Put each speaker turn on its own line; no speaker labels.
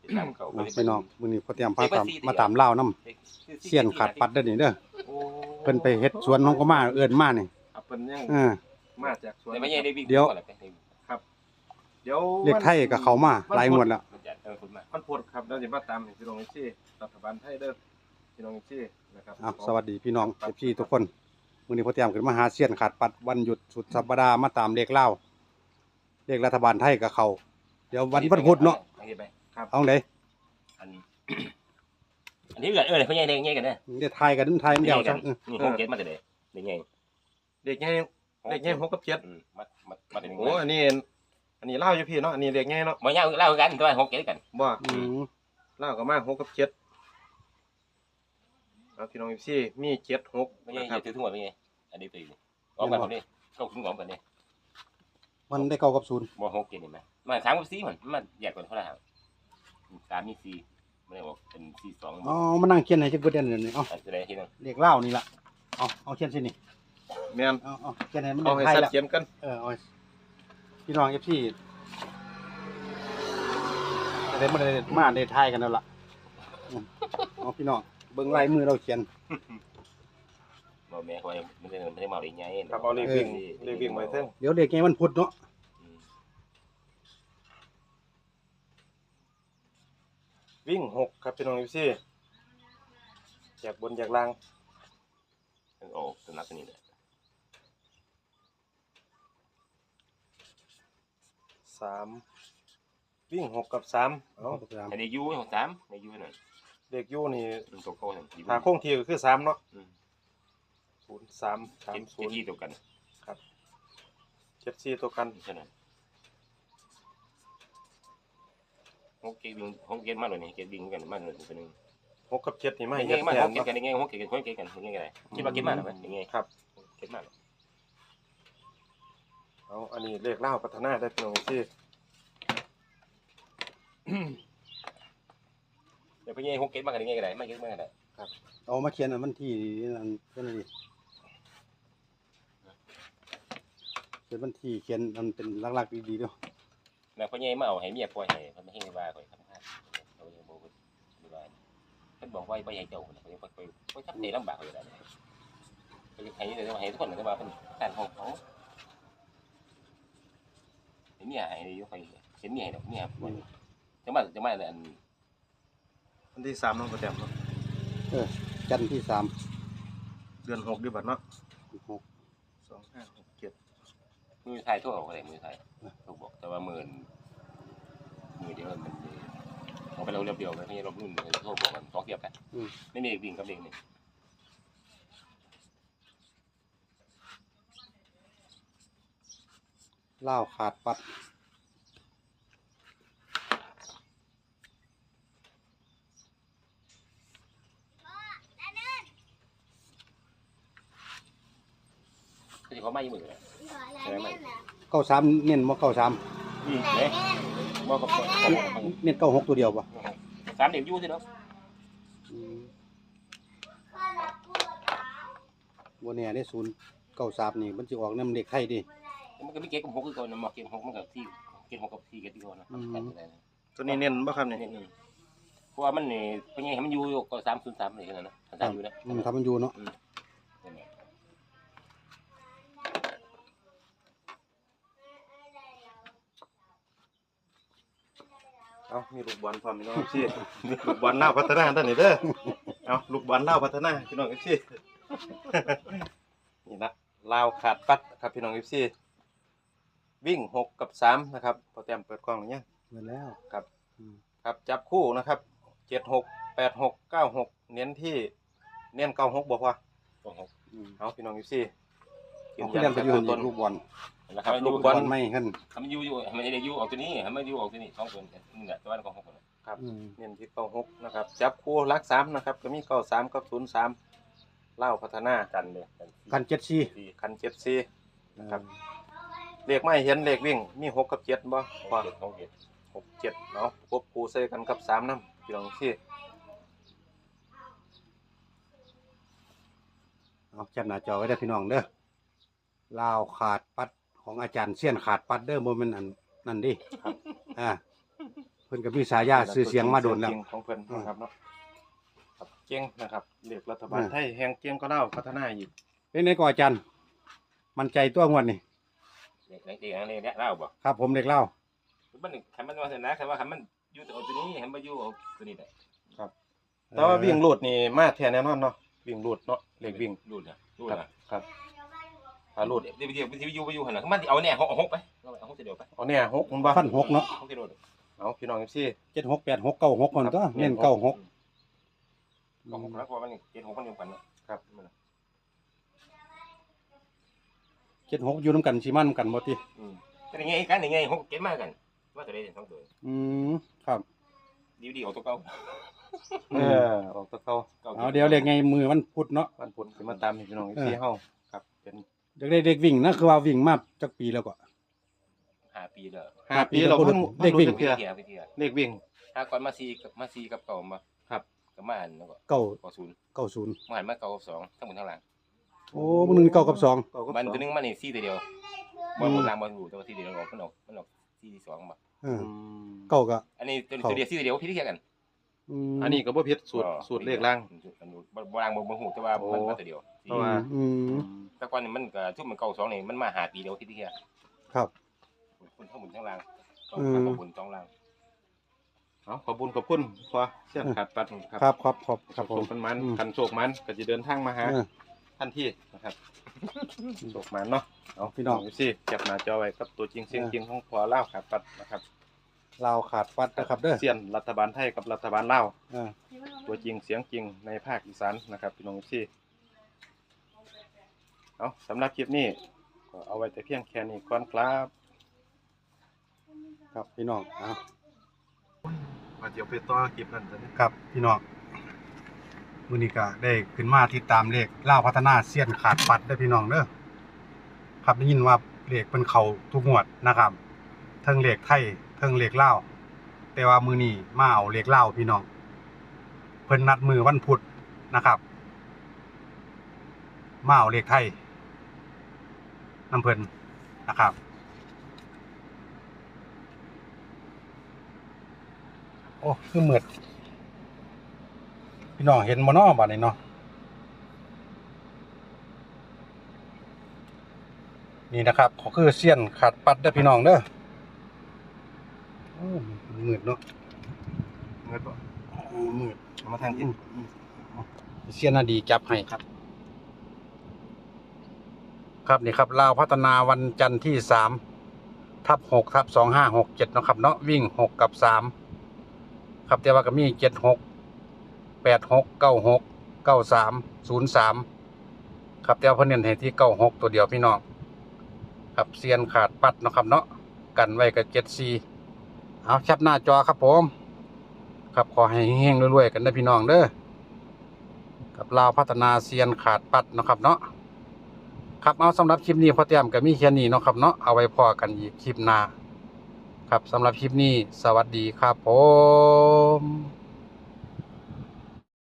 ตามเขา
พี่น้องมื้อนี้พอเตรียมพามาตามเล่าวนำเสี้ยนขาดปัดเด้อนี่เด้อเพิ่นไปเฮ็ดสวนของก็มาเอิ้นมานี่
ครับเพิ่นยัง
มาจากสวนไม่ใช่ได้วิ่ง
เดี๋ยวเรียกไทยกับเขามาหลายงวดแล้ว
มันพูดครับแล้วสิมาตามพี่น้องที่รัฐบาลไทยเด้อพี่น้องที่นะครับ
สวัสดีพี่น้องพี่ทุกคนมื้อนี้พอเตรียมขึ้นมาหาเสี้ยนขาดปัดวันหยุดสุดสัปดาห์มาตามเลขเล่าวเลขรัฐบาลไทยกับเขาเดี๋ยววันพุธเนาะเอาได
อันนี้เกิดเขาใหญ่เด็กใหญ่กันเนี่ย
เดี๋ยวทายกันไทยมันเดียวจัง
นี่หกเจ็ดมาแต่เด็กใหญ่
เด็กใหญ่6กับ7
มาแต่
โอ้อันนี้เล่าอยู่พี่เนาะอันนี้เด็กใหญ่เนาะ
บ่ยาวเล่ากันตัวหกเจ็ดกัน
บ่เล่าก็มา6กับ7เอาพี่น้องที่มี7 6
ไม่ใช่ถือทั้งหมดเป็นไงอันนี้ตีออกกันคนนี้เข้าคุ้มของกันนี่
มันได้เก้ากับศูนย์
บ่หกเจ็ดเห็นไหมมา3กับ4มันแยกกันเท่าไหร่3มี4ไม่ได้บอกเป็น4 2
อ๋อมานั่งเขียนให้จักเบิดเดือนนี่เอา
จะได้ทีนึง
เลขเล่าวนี่ล่ะเอาเขียนสินี่
แม่น
เอาเขียนให้มัน
เอาให้ชัดเจนกัน
เอาพี่น้องFCได้มาได้ทายกันแล้วล่ะเอาพี่น้องเบิ่งลายมือเราเขียน
บ่แม่คอยไม่ได้มาได้ไง
ครับเอาเลขวิ่งไว้เถิง
เดี๋ยวเลขไงมันพุธเนาะ
วิ่ง6ครับพี่น้องที่จากบนจากล่าง
โอ้สนับนี่แหละ
3วิ่ง6กับ3เอ้า
ให้ได้อยู่ของ3ได้อยู่นั่น
เลขอยู่นี่
ตัวโก้นั่น
ถ้าคงที่ก็คือ3เนาะ0 3 3 0
ที่ตัวกัน
ครับ74ตัวกัน
ใช่นั้นหกเกตมาเลยนี่เกตวิ่งกันมาเลยตัวนึง
6กับ7นี่มา
เฮ็ดมา6เกตกันยังไง6เกตกันคนเกตกันยังไงคิดว่าเกตมาหรือมั้ยยังไง
ครับ
เกตมา
เอาอันนี้เลขเล่าพัฒนาได้พี่น้องที่
เดี๋ยวไปยัง6เกตมากันยังไงก็ได้ไม่เกตมาก็ได้
ครับเอามาเขียนวันที่นั่นเพิ่นน่ะดิเขียนวันที่เขียนมันเป็นหลักๆดีๆเด้อ
แล้วพ่อใหญ่มาเอาให้เมียปล่อยให้เพิ่นไม่ให้ว่าข่อยทำงานเขายังบ่ได้ว่าเพิ่นบอกว่าบ่ให้เจ้าเพิ่นไปทำได้ลำบากอยู่แล้วเพิ่นให้แต่ว่าให้ทุกคนแต่ว่าเพิ่นการของเขาเห็นเมียให้อยู่ข่อยเห็นเมียให้ดอกเมียจังมาอัน
วันที่3เนาะบ่แต้มเนาะ
จันทร์ที่3
เดือน6ดิบัดเนาะ
6
2 5 6 7
มือไทยทั่วไปมือไทยถูกบอกแต่ว่ามือเดียวมันเอาไปเราเรียบเดียวไม่ใช่รบรุ่นโทษบอกกันสองเทียบกันไม่มีวิ่งกับเด็กนี่
เล่าขาดปัด
ที่เขาไม่มือเลย
93เน้นบ่93
เนี่ยบ่กับ
เน้น96ตัวเดียวบ่
3เด็กอยู่สิเนาะ
บ่แน่ได้093นี่มันสิออกนำเลขไทยดิ
มันก็มีเกตกับ6คือก่อนมาเกต6มันก็ที่เกต6กับ4เกตที่ก่อนนะ
ตัวนี้เน้นบ่ครับนี่
เพราะว่ามันนี่เป็นไงให้มันอยู่ก็303นี่นั่นนะ3อยู่นะ
ถ้ามันอยู่เนาะ
เอามีลูกบอลพร้อมพี่น้องซี่ลูกบอลเล่าพัฒนาท่านนี่เด้อเอาลูกบอลเล่าพัฒนาพี่น้องซี่นี่นะลาวขาดปัดครับพี่น้องซี่วิ่ง6กับ3นะครับพอแต้มเปิดกล้องหรือยัง
เปิดแล้ว
ครับจับคู่นะครับ76 86 96เน้น96บ่พอเอาพี่น้องซี่
กินยันไปอยู่ต้นลูกบอล
นะครับลูกบอลไม่ขึ้นทำอยู่มันจะได้อยู่ออกตัวนี้ทำไม่อยู่ออกตัวนี้2คนนี่แหละตัวนั้นของ6คน
ครับเน้นที่96นะครับจับคู่หลัก3นะครับก็มี93กับ03เล่าพัฒนา
กันเลย
กัน74
กัน74นะครับเลขไม่เห็นเลขวิ่งมี6กับ7บ่พอ6 7เนาะควบคู่ใส่กันกับ3นำพี่น้องซี่
เอาจับหน้าจอไว้ได้พี่น้องเด้อลาวขาดปัดของอาจารย์เสี้ยนขาดปัดเด้อบ่แม่นอันนั่นดิเพิ่นก็มีฉายาชื่อเสียงมาโดนแล้ว
เสียงของเพิ่นนะครับเนาะครับเก่งนะครับเลขรัฐบาลไทยแห่งเก่งก็เล่าพัฒนาอีก
เป็นไงก่ออาจารย์มั่นใจตัวงวดนี่
เด็กเนี่ยเล่าบ่
ครับผมเด็กเล่า
มันคันมันว่าซั่นนะคันว่าคันมันอยู่เอาตัวนี้คันบ่อยู่เอาตัวนี้ได้
แต่ว่าวิ่งรูดนี่มาแท้แน่นอนเนาะวิ่งรูดเนาะเลขวิ่ง
รูดรูด
ครับถ้ารูด
เดี๋ยวอยู่หั่นน่ะมันเอาแน่เอา6ไปเอา6เดียวไป
เอาเนี่ย6มันบ่
ฟัน6เนาะ
6กิโล
เอาพี่น้อง FC
76 86 96คนก็เน้น96
ก็6แล้วเพราะมัน76มันอยู่กันเนาะ
ครับ
76อยู่นํกันสิมานํกันบ่ติ
แต่ยังไงกันยังไง6 7มากันว่าตัวใด2ตัว
ครับ
ดีเอาตัวเก่า
ออกตะเกา
เอาเดี๋ยวเรียกไงมือวันพุธเนาะ
วันพุธสิมาตามให้พี่น้อง FC เฮาครับเป็น
อยากได้เด็กวิ่งนะคือว่าวิ่งมาจักปีแล้วก็
5 ปีแล้ว
5 ปีเราเพิ่ง
เลขวิ่ง
เทื่อ
เที่ยว
เลขวิ่ง
ถ้าก่อนมา4กับเก่ามา
ครับ
ก็มาอันแล้วก็
90
มาหันมาเก่ากับ2ทั้งหมดทั้งหลัง
โอ้มื้อนึง9กับ2
มันตัวนึงมันนี่4ตัวเดียวบอลล่างบอลหูแต่ว่า4ตัวเดียวมันออก4 2มา
เก้าก็
อันนี้ตัวเดียว4ตัวเดียวพี่ที่แค่กัน
อันนี้ก็บ่ผิดสูตรเลขล่าง
บอลล่างบอลหูแต่ว่ามันมาตัวเดียว
เพราะว่า
แต่ก่อนนี่มันก็ทุ่มมันเก่า2นี่มันมา5ปีเดียวพี่ที่แค่
ครับ
คนทั้งหมดทั้งหลังก็บน2ล่าง
เอาขอบคุณพอเสี้ยนขาดปัด
ครับครับผม
โชคมันคันโชคมันก็จะเดินทางมาหาท่านที่นะครับโชคมันเนาะเอาพี่น้องสิจับหน้าจอไว้กับตัวจริงเสียงจริงของพอเล่าขาดปัดนะครับ
ลาวขาดปัดนะครับเด้อ
เสี้ยนรัฐบาลไทยกับรัฐบาลลาว
อ่า
ตัวจริงเสียงจริงในภาคอีสานนะครับพี่น้องสิเอาสำหรับคลิปนี้ก็เอาไว้แต่เพียงแค่นี้ก่อนครับ
ครับพี่น้อง
มาเดี๋ยวไปต่อคลิปนั้นจะ
ครับพี่น้องมื้อนี้ก็ได้ขึ้นมาติดตามเลขลาวพัฒนาเสี้ยนขาดปัดได้อพี่น้องเด้อครับได้ยินว่าเลขเพิ่นเข้าทุกงวดนะครับเทั้งเลขไทยเทั้งเลขลาวแต่ว่ามื้อนี้มาเอาเลขลาวพี่น้องเพิ่นนัดมือวันพุธนะครับมาเอาเลขไทยนำเพิ่นนะครับโอ้คือมืดพี่น้องเห็นบ่เนาะบัดนี้เนาะนี่นะครับก็คือเสี้ยนขาดปัดเด้อพี่น้องเด้อโอ้มืดเนาะ
เงินบ่
มืด
เอามาทางที่
เสี้ยนน่ะดีจับให้ครับครับนี่ครับลาวพัฒนาวันจันทร์ที่3/6/2567เนาะครับเนาะวิ่ง6กับ3ครับแต่ว่าก็มี76 86 96 93 03ครับแต่ว่าเพิ่นเน้นให้ที่96ตัวเดียวพี่น้องครับเซียนขาดปัดเนาะครับเนาะกันไว้กับ74เอาแคปหน้าจอครับผมครับขอให้เฮงๆรวยๆกันนะพี่น้องเด้อกับลาวพัฒนาเซียนขาดปัดเนาะครับเนาะครับเอาสำหรับคลิปนี้พอเตรียมก็มีแค่นี้เนาะครับเนาะเอาไว้พอกันอีกคลิปหน้าครับสำหรับคลิปนี้สวัสดีครับผม